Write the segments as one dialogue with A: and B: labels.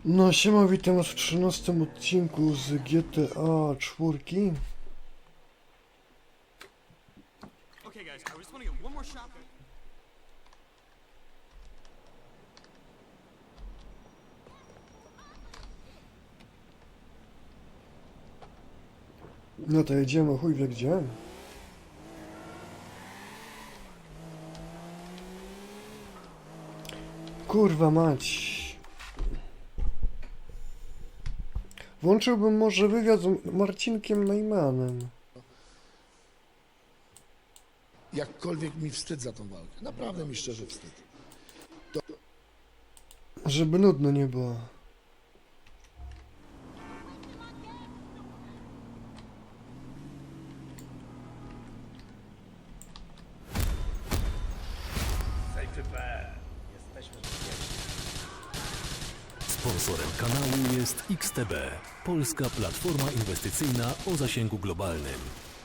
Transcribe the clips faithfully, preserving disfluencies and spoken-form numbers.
A: No siema, witam was w trzynastym odcinku z G T A cztery.
B: Okay, guys, I just want to get one more shot.
A: No to jedziemy, chuj wie gdzie. Kurwa mać. Włączyłbym może wywiad z Marcinkiem Najmanem.
C: Jakkolwiek mi wstyd za tą walkę. Naprawdę mi szczerze wstyd.
A: Żeby nudno nie było.
D: Sponsorem kanału jest X T B, polska platforma inwestycyjna o zasięgu globalnym.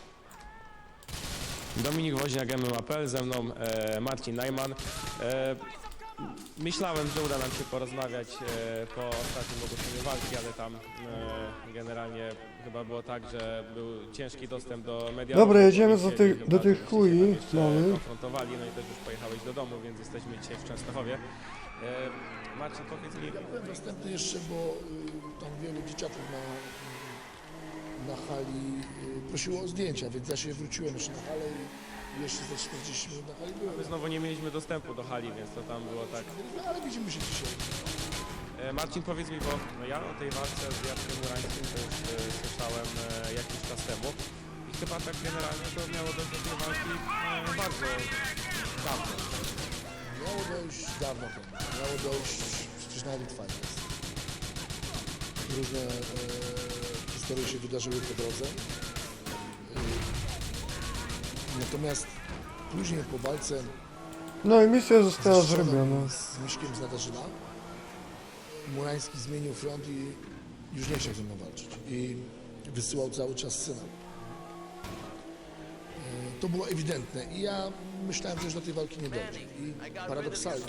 E: Dominik Woźniak, M M A kropka P L, ze mną e, Marcin Najman. E, myślałem, że uda nam się porozmawiać e, po ostatnim ogłoszeniu walki, ale tam e, generalnie chyba było tak, że był ciężki dostęp do mediów.
A: Dobra, jedziemy za tych- do tych chuji mały.
E: konfrontowali, no i też już pojechałeś do domu, więc jesteśmy dzisiaj w Częstochowie. E, Marcin, powiedz mi...
C: Ja byłem dostępny jeszcze, bo y, tam wielu dzieciaków na, na hali y, prosiło o zdjęcia, więc ja się wróciłem jeszcze na halę i jeszcze ze czterdzieści minut na hali byłem.
E: My znowu nie mieliśmy dostępu do hali, więc to tam było tak...
C: No, ale widzimy się dzisiaj.
E: E, Marcin, powiedz mi, bo no ja o tej walce z Jackiem Murańskim to już e, słyszałem e, jakiś czas temu i chyba tak generalnie to miało dojść do tej walki e, bardzo dawno.
C: Miało dojść dawno temu. Miało dojść przecież na Elite Fighters. Różne e, historie się wydarzyły po drodze. E, natomiast później po walce
A: No i misja została
C: ze Strzelą
A: zrobiona.
C: z Miśkiem z Nadarzyna Murański zmienił front i już nie chciał ze mną walczyć. I wysyłał cały czas syna. E, To było ewidentne i ja myślałem, że już do tej walki nie dojdzie. I paradoksalnie,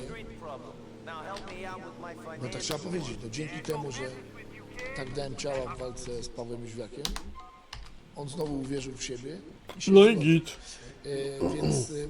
C: no tak trzeba powiedzieć, no dzięki temu, że tak dałem ciała w walce z Pawłem Jóźwiakiem, on znowu uwierzył w siebie i się
A: No i
C: zgodził.
A: git.
C: E, więc e,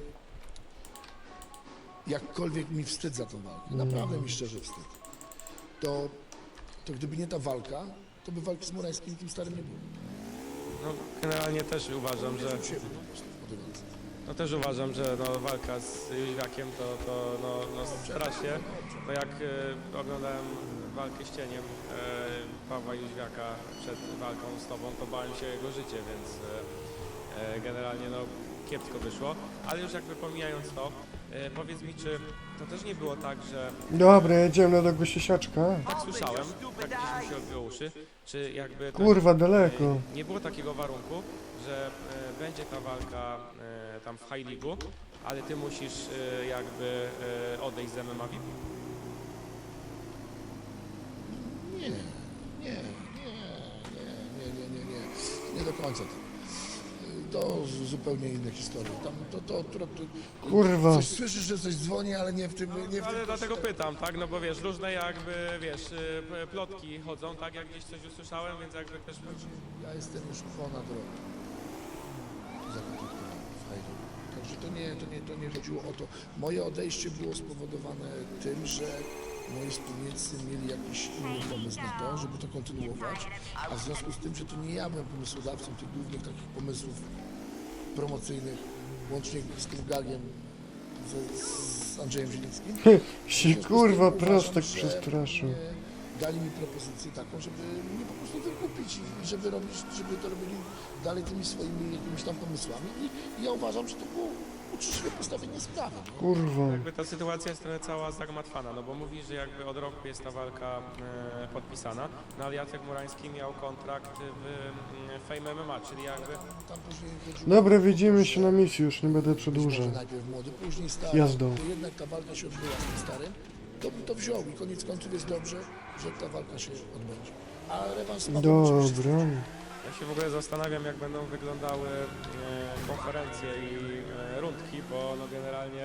C: jakkolwiek mi wstyd za tą walkę, naprawdę mi szczerze wstyd, to, to gdyby nie ta walka, to by walki z Murańskim tym starym nie było.
E: No generalnie też uważam, że
C: Uwierzył w siebie po prostu po tej walce.
E: no też uważam, że no, walka z Jóźwiakiem to, to no, no strasznie. To jak e, oglądałem walkę z cieniem e, Pawła Jóźwiaka przed walką z tobą, to bałem się o jego życie, więc e, e, generalnie no kiepsko wyszło. Ale już jakby pomijając to, e, powiedz mi, czy to też nie było tak, że
A: Dobra, jedziemy do tego siesiaczka.
E: tak słyszałem, tak gdzieś mi się odbiło uszy, czy jakby tak,
A: Kurwa, daleko.
E: e, nie było takiego warunku, że e, będzie ta walka e, tam w High League'u, ale ty musisz e, jakby e, odejść z M M A V I P?
C: Nie, nie, nie, nie, nie, nie, nie, nie, nie do końca to. To z- zupełnie inne historie. Tam to, to, to, to
A: Kurwa.
C: coś słyszysz, że coś dzwoni, ale nie w tym, nie w
E: Ale
C: tym
E: dlatego pytam, tak, no bo wiesz, różne jakby, wiesz, y, p- plotki chodzą, tak, jak gdzieś coś usłyszałem, więc jakby też...
C: Ja jestem już ponad rok zakontraktowany w Hajdu. Także to nie, to, nie, to nie chodziło o to. Moje odejście było spowodowane tym, że moi wspólnicy mieli jakiś inny pomysł na to, żeby to kontynuować, a w związku z tym, że to nie ja byłem pomysłodawcą tych głównych takich pomysłów promocyjnych, łącznie z tym gagiem z, z Andrzejem Zielińskim.
A: Się kurwa
C: Uważam,
A: prostek
C: że
A: przestraszył.
C: nie dali mi propozycję taką, żeby mnie po prostu wykupić i żeby robić, żeby to robili dalej tymi swoimi jakimiś tam pomysłami i, i ja uważam, że to było uczciwe postawienie sprawy. No.
A: Kurwa.
E: Jakby ta sytuacja jest trochę cała zagmatwana, no bo mówisz, że jakby od roku jest ta walka e, podpisana, no ale Jacek Murański miał kontrakt w e, Fame M M A, czyli jakby...
C: Tam później chodziło
A: Dobra,
C: o to,
A: widzimy
C: że
A: się na misji, już nie będę
C: być
A: przedłużał.
C: może najpierw młody, później stary,
A: Jazdą.
C: to jednak ta walka się odbyła z tym starym, to by to wziął i koniec końców jest dobrze, że ta walka się odbędzie. A rewans z Pawłem oczywiście
A: Dobra.
E: Ja się w ogóle zastanawiam, jak będą wyglądały e, konferencje i e, rundki, bo no generalnie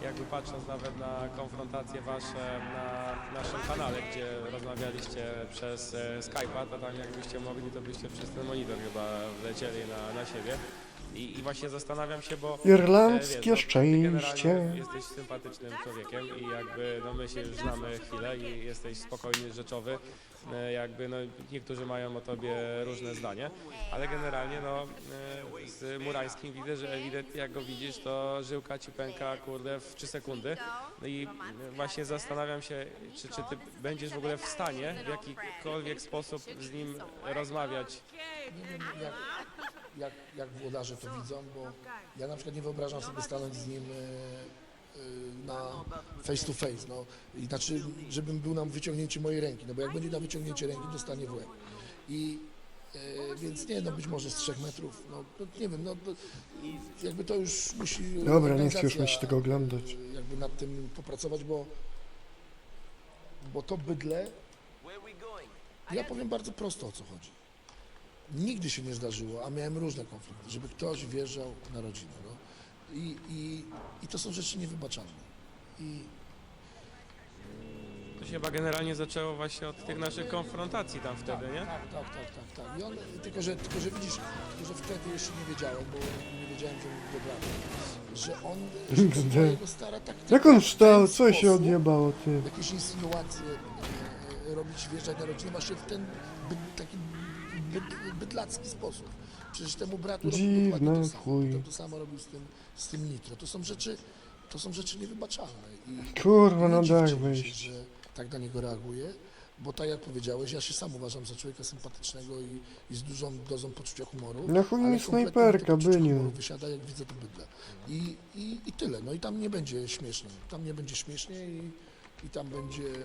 E: jakby patrząc nawet na konfrontacje wasze na naszym kanale, gdzie rozmawialiście przez e, Skype'a, to tam jakbyście mogli, to byście przez ten monitor chyba wlecieli na, na siebie. I, I właśnie zastanawiam się, bo
A: Irlandzkie
E: e, wiesz, no, ty
A: szczęście.
E: generalnie jesteś sympatycznym człowiekiem i jakby no my się już znamy chwilę i jesteś spokojny, rzeczowy. E, Jakby no niektórzy mają o tobie różne zdanie, ale generalnie no e, z Murańskim widzę, że ewidentnie jak go widzisz, to żyłka ci pęka kurde w trzy sekundy. No i właśnie zastanawiam się, czy, czy ty będziesz w ogóle w stanie w jakikolwiek sposób z nim rozmawiać.
C: Nie wiem, jak, jak, jak włodarze to widzą, bo ja na przykład nie wyobrażam sobie stanąć z nim e, e, na face to face, no. I znaczy, żebym był na wyciągnięcie mojej ręki, no bo jak będzie na wyciągnięcie ręki, dostanie w łeb. I e, więc nie, no być może z trzech metrów, no, no nie wiem, no to, jakby to już musi
A: Dobra, nie chcę już
C: organizacja,
A: mieć tego oglądać.
C: e, jakby nad tym popracować, bo bo to bydle, ja powiem bardzo prosto, o co chodzi. Nigdy się nie zdarzyło, a miałem różne konflikty, żeby ktoś wjeżdżał na rodzinę. No. I, i, I to są rzeczy niewybaczalne. I
E: To się chyba generalnie zaczęło właśnie od tych naszych konfrontacji tam wtedy, nie?
C: tak, tak, tak, tak, tak. I on, tylko, że, tylko, że widzisz, tylko, że wtedy jeszcze nie wiedziałem, bo nie wiedziałem, że on wybrał, że on, że to była jego stara taktyka.
A: Jak on wstał?
C: W ten
A: Co się
C: sposób
A: odjebało, ty?
C: Jakieś insynuacje e, e, robić, wjeżdżać na rodzinę, właśnie w ten by, taki byd, bydlacki sposób. Przecież temu bratu robił
A: Dziwne,
C: dokładnie to samo.
A: chuj.
C: To, to samo robił z tym, z tym Nitro. To są rzeczy, to są rzeczy niewybaczalne. I
A: Kurwa,
C: nie
A: no
C: dziwcie
A: daj
C: się,
A: wyjść.
C: że tak na niego reaguje, bo tak jak powiedziałeś, ja się sam uważam za człowieka sympatycznego i, i z dużą dozą poczucia humoru.
A: Na chuj mi
C: ale kompletnie
A: snajperka,
C: to poczucie
A: byniu.
C: humoru wysiada, jak widzę to bydle. I, i, I tyle. No i tam nie będzie śmiesznie. Tam nie będzie śmiesznie i, i tam będzie e,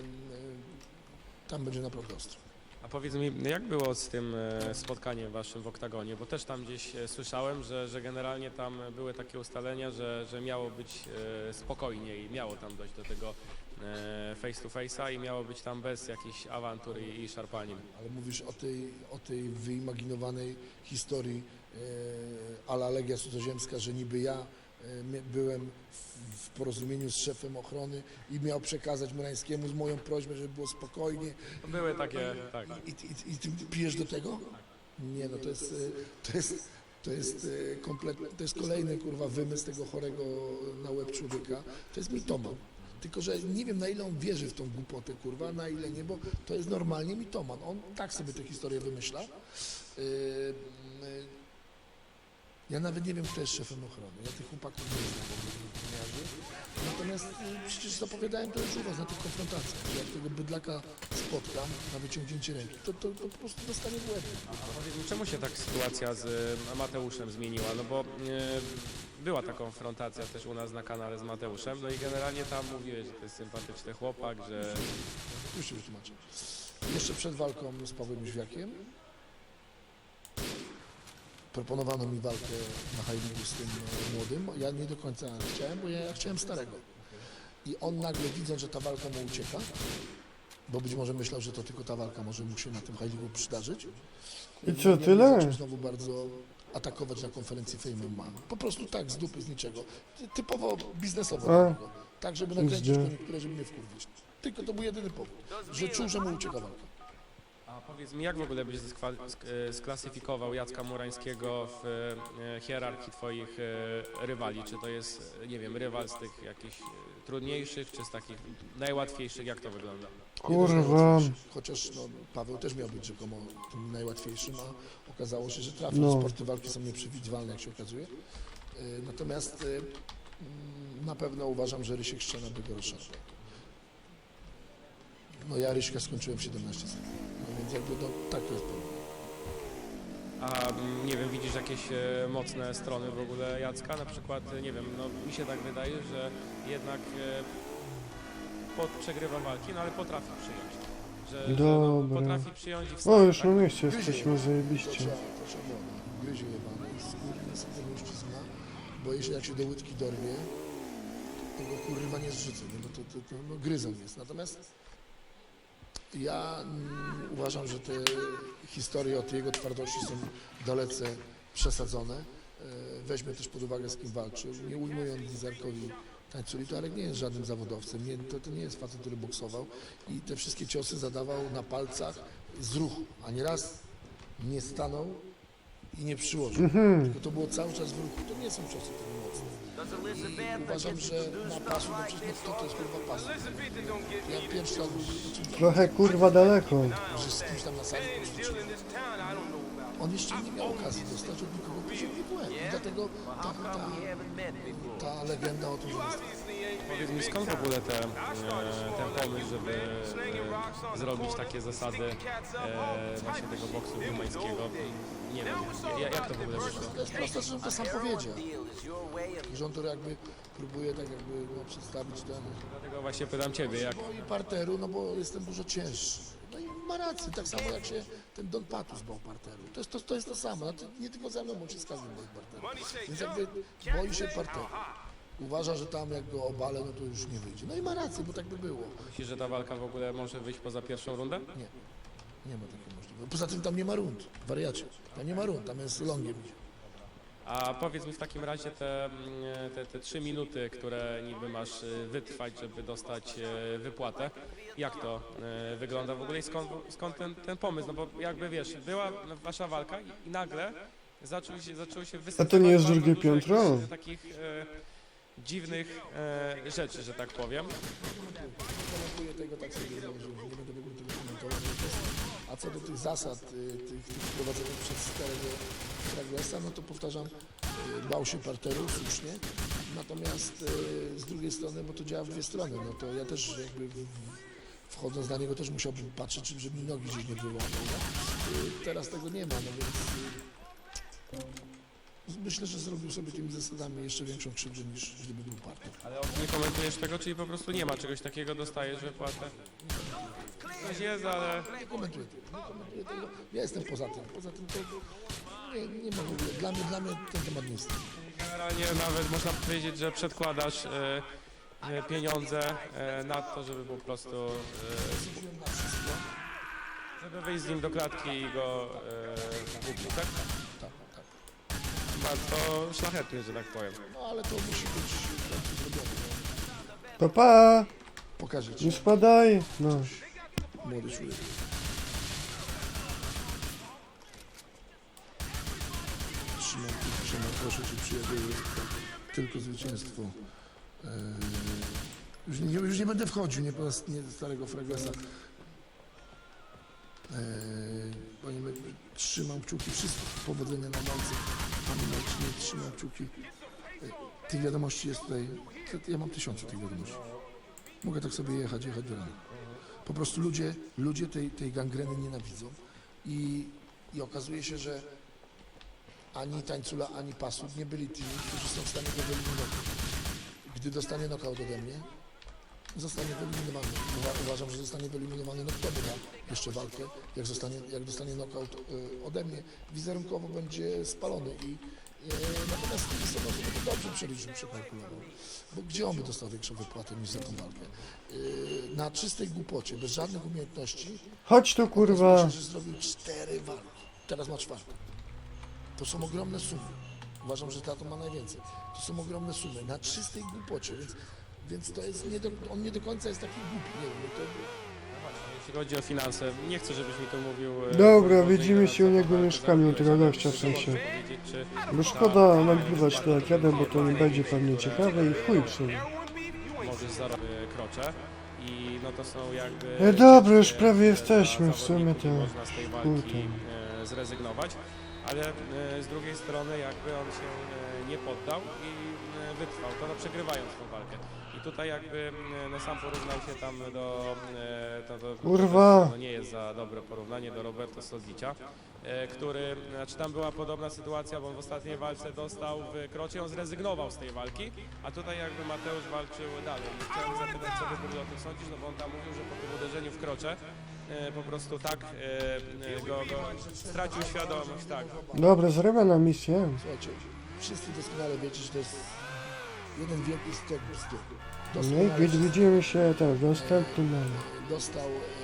C: tam będzie naprawdę ostro.
E: A powiedz mi, jak było z tym e, spotkaniem waszym w oktagonie? Bo też tam gdzieś e, słyszałem, że, że generalnie tam były takie ustalenia, że, że miało być e, spokojnie i miało tam dojść do tego e, face to face'a i miało być tam bez jakichś awantur i, i szarpanin.
C: Ale mówisz o tej, o tej wyimaginowanej historii e, a la Legia Cudzoziemska, że niby ja e, mia- byłem w, w porozumieniu z szefem ochrony i miał przekazać Murańskiemu z moją prośbą, żeby było spokojnie.
E: Były takie, tak.
C: I, i, i ty pijesz do tego? Nie, no to jest, e, to jest, to jest e, kompletnie, to jest kolejny kurwa wymysł tego chorego na łeb człowieka. To jest mitoman. Tylko, że nie wiem, na ile on wierzy w tą głupotę, kurwa, na ile nie, bo to jest normalnie mitoman. On tak sobie tę historię wymyśla. Yy, yy, ja nawet nie wiem, kto jest szefem ochrony. Ja tych chłopaków nie znam, ochroniarzy. Natomiast yy, przecież zapowiadałem to już u was na tych konfrontacjach, że jak tego bydlaka spotkam na wyciągnięcie ręki, to, to, to po prostu dostanie w łeb.
E: A powiedz mi, czemu się tak sytuacja z e, Mateuszem zmieniła? No bo e, była ta konfrontacja też u nas na kanale z Mateuszem, no i generalnie tam mówiłeś, że to jest sympatyczny chłopak, że
C: Już się wytłumaczę. Jeszcze przed walką z Pawłem Jóźwiakiem proponowano mi walkę na high z tym e, młodym. Ja nie do końca chciałem, bo ja, ja chciałem starego. I on nagle, widząc, że ta walka mu ucieka, bo być może myślał, że to tylko ta walka może mu się na tym high przydarzyć.
A: I co,
C: ja
A: tyle?
C: Zaczął znowu bardzo atakować na konferencji Fame M M A. Po prostu tak, z dupy, z niczego. Ty- Typowo biznesowo.
A: A.
C: dla niego. Tak, żeby nakręcić
A: Zdzie.
C: koniunkturę, żeby mnie wkurwić. Tylko to był jedyny powód, że czuł, że mu ucieka walka.
E: A powiedz mi, jak w ogóle byś skwa- sk- e, sklasyfikował Jacka Murańskiego w e, hierarchii twoich e, rywali? Czy to jest, e, nie wiem, rywal z tych jakichś e, trudniejszych, czy z takich najłatwiejszych? Jak to wygląda?
A: Kurwa.
C: Chociaż no, Paweł też miał być rzekomo tym najłatwiejszym, a okazało się, że trafił.
A: No.
C: Sporty walki są nieprzewidywalne, jak się okazuje. Y, Natomiast y, mm, na pewno uważam, że Rysiek Szczena by go rozszarpał. No ja Ryśka skończyłem w siedemnaście sekund. No więc jakby no, tak to jest problem.
E: A mm, nie wiem, widzisz jakieś e, mocne strony w ogóle Jacka? Na przykład, e, nie wiem, no mi się tak wydaje, że jednak e, pod, przegrywa walki, no ale potrafi przyjąć. Że, że no,
A: Dobra.
E: potrafi przyjąć i
A: O,
E: wstać,
A: już
E: tak?
A: na mieście
C: Gryzie.
A: jesteśmy
C: To
A: zajebiście.
C: trzeba, to trzeba było. Gryzie jebany i skórny sobie mężczyzna, bo jeśli jak się do łydki dorwie, to go kurwa nie zrzucę, nie? Bo to, to, to no, gryzą jest. Natomiast ja mm, uważam, że te historie o tej jego twardości są dalece przesadzone. E, Weźmy też pod uwagę, z kim walczył. Nie ujmując Lizarkowi tańculi, to Arek nie jest żadnym zawodowcem, nie, to, to nie jest facet, który boksował i te wszystkie ciosy zadawał na palcach z ruchu, a nieraz nie stanął i nie przyłożył,
A: Mhm.
C: tylko to było cały czas w ruchu, to nie są ciosy tak mocne. I uważam, że na pasu, no przecież no, to, to jest kurwa pasu. Ja pierwszy raz,
A: Trochę kurwa daleko.
C: że z kimś tam na sali poćwiczyłem. On jeszcze nie miał okazji dostać od nikogo poziomie w łeb. I dlatego ta, ta, ta legenda o tym, że jest
E: Powiedz mi, skąd w ogóle te, e, ten pomysł, żeby e, zrobić takie zasady e, właśnie tego boksu rumańskiego? Nie wiem, ja- jak to w ogóle wyszło?
C: To jest proste, że on to sam powiedział. Że on to jakby próbuje tak jakby no, przedstawić ten
E: Dlatego właśnie pytam Ciebie, jak,
C: boi parteru, no bo jestem dużo cięższy. No i ma rację, tak samo jak się ten Don Patus bał parteru. To jest to, to, jest to samo, no, to nie tylko ze mną, bo się z każdym boi parteru. Więc jakby boi się parteru. Uważa, że tam jak go obalę, no to już nie wyjdzie. No i ma rację, bo tak by było.
E: myślisz, że ta walka w ogóle może wyjść poza pierwszą rundę?
C: Nie, nie ma takiej możliwości. Poza tym tam nie ma rund, wariacie. Tam nie ma rund, tam jest longiem.
E: A powiedz mi w takim razie te, mm, te, te trzy minuty, które niby masz y, wytrwać, żeby dostać y, wypłatę. Jak to y, wygląda w ogóle i skąd, skąd ten, ten pomysł? No bo jakby wiesz, była wasza walka i, i nagle zaczął się, zaczęło się wysypywać
A: A to nie jest
E: bardzo
A: drugie
E: dużo jakichś,
A: piętro?
E: y, takich y, dziwnych y, rzeczy, że tak powiem.
C: Komentuję tego tak sobie, że nie będę w ogóle tego komentował. A co do tych zasad, y, tych, tych wprowadzonych przez starego Fraglesa, no to powtarzam, y, bał się parteru, słusznie. Natomiast y, z drugiej strony, bo to działa w dwie strony, no to ja też jakby w, wchodząc na niego też musiałbym patrzeć, czy- żeby mi nogi gdzieś nie wyłamał. Y, teraz tego nie ma, no więc y, myślę, że zrobił sobie tymi zasadami jeszcze większą krzywdę niż gdyby był parter.
E: Ale nie komentujesz tego, czyli po prostu nie ma czegoś takiego, dostajesz wypłatę? Coś jest, ale...
C: Nie komentuję tego, nie komentuję tego. Ja jestem poza tym. Poza tym to nie, nie ma w ogóle. Dla mnie, dla mnie ten temat nie jest.
E: Generalnie nawet można powiedzieć, że przedkładasz e, e, pieniądze e, na to, żeby po prostu e,
C: Zgodziłem na wszystko.
E: żeby wyjść z nim do klatki i go e, kupić, tak?
C: Tak, tak.
E: Bardzo szlachetnie, że tak powiem.
C: No ale to musi być w końcu zrobione. No.
A: Pa, pa!
C: Pokażę ci,
A: Nie spadaj! No.
C: młody człowiek. Trzymam, trzymam, proszę cię przyjacielu, jest to tylko zwycięstwo. Eee, już, nie, już nie będę wchodził, nie po raz nie starego Fraglesa. Eee, panie Mek, trzymam kciuki, wszystko powodzenia na walce. Panie Marcinie, trzymam kciuki. Eee, tych wiadomości jest tutaj, ja mam tysiące tych wiadomości. Mogę tak sobie jechać, jechać do rana. Po prostu ludzie, ludzie tej, tej gangreny nienawidzą i, i okazuje się, że ani Tańcula, ani Pasut nie byli tymi, którzy są w stanie go wyeliminować. Gdy dostanie knockout ode mnie, zostanie wyeliminowany. Uwa- Uważam, że zostanie wyeliminowany, no kto wyda jeszcze walkę, jak, zostanie, jak dostanie knockout y, ode mnie, wizerunkowo będzie spalony i y, natomiast z drugiej strony sobie to dobrze przeliczył, przekalkulował. Bo gdzie on by dostał większą wypłatę niż za tą walkę? Y, na czystej głupocie, bez żadnych umiejętności,
A: Chodź tu kurwa!
C: okazuje się, że zrobił cztery walki. Teraz ma czwartą. To są ogromne sumy. Uważam, że tato ma najwięcej. To są ogromne sumy na czystej głupocie, więc, więc to jest nie do, on nie do końca jest taki głupi. Nie wiem, to,
E: Jeśli chodzi o finanse, nie chcę, żebyś mi tu mówił... e,
A: Dobra,
E: może
A: widzimy
E: ile
A: się u
E: za
A: niego w
E: walkę
A: mieszkaniu,
E: zarobiłeś,
A: tego
E: ale
A: gościa w
E: czy możesz
A: sensie.
E: powiedzieć, czy
A: Bo szkoda nagrywać to jak jadę, bo to nie będzie pewnie ciekawe i chuj w sumie.
E: możesz zarobić krocze i no to są jakby...
A: E, dobra, już
E: rzeczy,
A: prawie
E: e,
A: jesteśmy,
E: dla
A: w sumie
E: zawodników
A: to
E: i można z tej
A: chuj
E: walki
A: tam.
E: e, zrezygnować, ale e, z drugiej strony jakby on się e, nie poddał i e, wytrwał, to no przegrywając tą walkę. I tutaj jakby e, no sam porównał się tam do... E, to, to,
A: Kurwa.
E: To, no nie jest za dobre porównanie do Roberto Sodzicia, e, który, znaczy tam była podobna sytuacja, bo on w ostatniej walce dostał w krocie, on zrezygnował z tej walki, a tutaj jakby Mateusz walczył dalej. I chciałem zapytać, co wy w ogóle o tym sądzisz, no bo on tam mówił, że po tym uderzeniu w krocze e, po prostu tak e, e, go, go stracił świadomość, tak.
A: Dobra, zrywam na misję.
C: słuchajcie, wszyscy doskonale wiecie, że to jest jeden wielki stok bzdur.
A: No i
C: Doskonale
A: wi- widzimy się tak w następnym.
C: dostał